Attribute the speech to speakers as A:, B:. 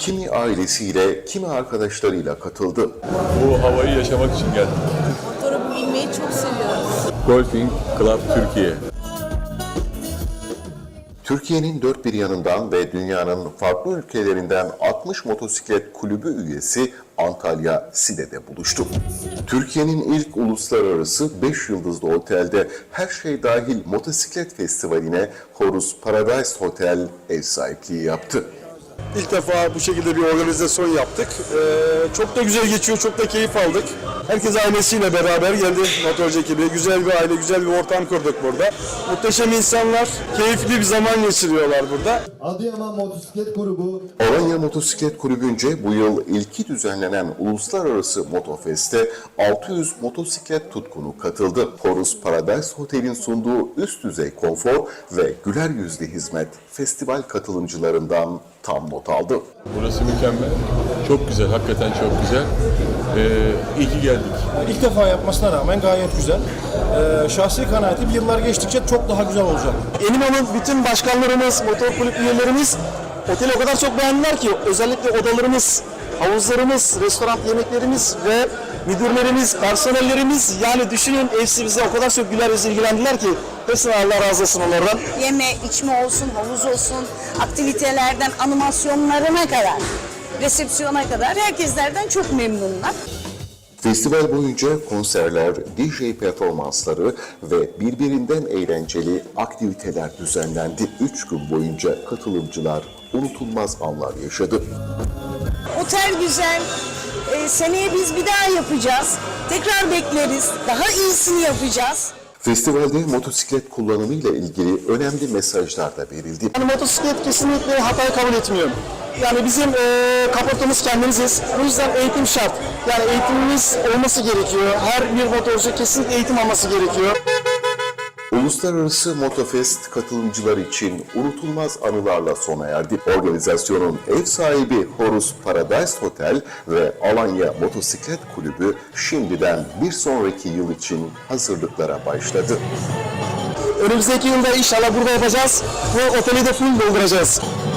A: Kimi ailesiyle, kimi arkadaşlarıyla katıldı.
B: Bu havayı yaşamak için geldim.
C: Motora binmeyi çok seviyoruz.
B: Golfing Club Türkiye.
A: Türkiye'nin dört bir yanından ve dünyanın farklı ülkelerinden 60 motosiklet kulübü üyesi Antalya Side'de buluştu. Türkiye'nin ilk uluslararası 5 yıldızlı otelde her şey dahil motosiklet festivaline Horus Paradise Hotel ev sahipliği yaptı.
D: İlk defa bu şekilde bir organizasyon yaptık. Çok da güzel geçiyor, çok da keyif aldık. Herkes ailesiyle beraber geldi motorcu ekibi. Güzel bir aile, güzel bir ortam kurduk burada. Muhteşem insanlar, keyifli bir zaman geçiriyorlar burada.
E: Adıyaman Motosiklet Grubu
A: Alanya Motosiklet Kulübü'nce bu yıl ilki düzenlenen Uluslararası Motofest'e 600 motosiklet tutkunu katıldı. Horus Paradise Hotel'in sunduğu üst düzey konfor ve güler yüzlü hizmet festival katılımcılarından tam not aldı.
B: Burası mükemmel. Çok güzel, hakikaten çok güzel. İyi ki geldik.
F: İlk defa yapmasına rağmen gayet güzel. Şahsi kanaatim yıllar geçtikçe çok daha güzel olacak.
D: Eminönü'nün bütün başkanlarımız, motor kulüp üyelerimiz oteli o kadar çok beğendiler ki özellikle odalarımız, havuzlarımız, restoran yemeklerimiz ve müdürlerimiz, personellerimiz yani düşünün hepsi bize o kadar çok güler yüzle ilgilendiler ki hepsine Allah razı olsun onlardan.
G: Yeme, içme olsun, havuz olsun, aktivitelerden animasyonlarına kadar, resepsiyona kadar herkeslerden çok memnunlar.
A: Festival boyunca konserler, DJ performansları ve birbirinden eğlenceli aktiviteler düzenlendi. 3 gün boyunca katılımcılar unutulmaz anlar yaşadı.
G: Otel güzel, seneye biz bir daha yapacağız, tekrar bekleriz, daha iyisini yapacağız.
A: Festivalde motosiklet kullanımı ile ilgili önemli mesajlar da verildi.
D: Yani motosiklet kesinlikle hatayı kabul etmiyor. Yani bizim kaportamız kendimiziz. Bu yüzden eğitim şart. Yani eğitimimiz olması gerekiyor. Her bir motorcu kesinlikle eğitim alması gerekiyor.
A: Uluslararası Motofest katılımcılar için unutulmaz anılarla sona erdi. Organizasyonun ev sahibi Horus Paradise Hotel ve Alanya Motosiklet Kulübü şimdiden bir sonraki yıl için hazırlıklara başladı.
D: Önümüzdeki yılda inşallah burada yapacağız. Bu oteli de full dolduracağız.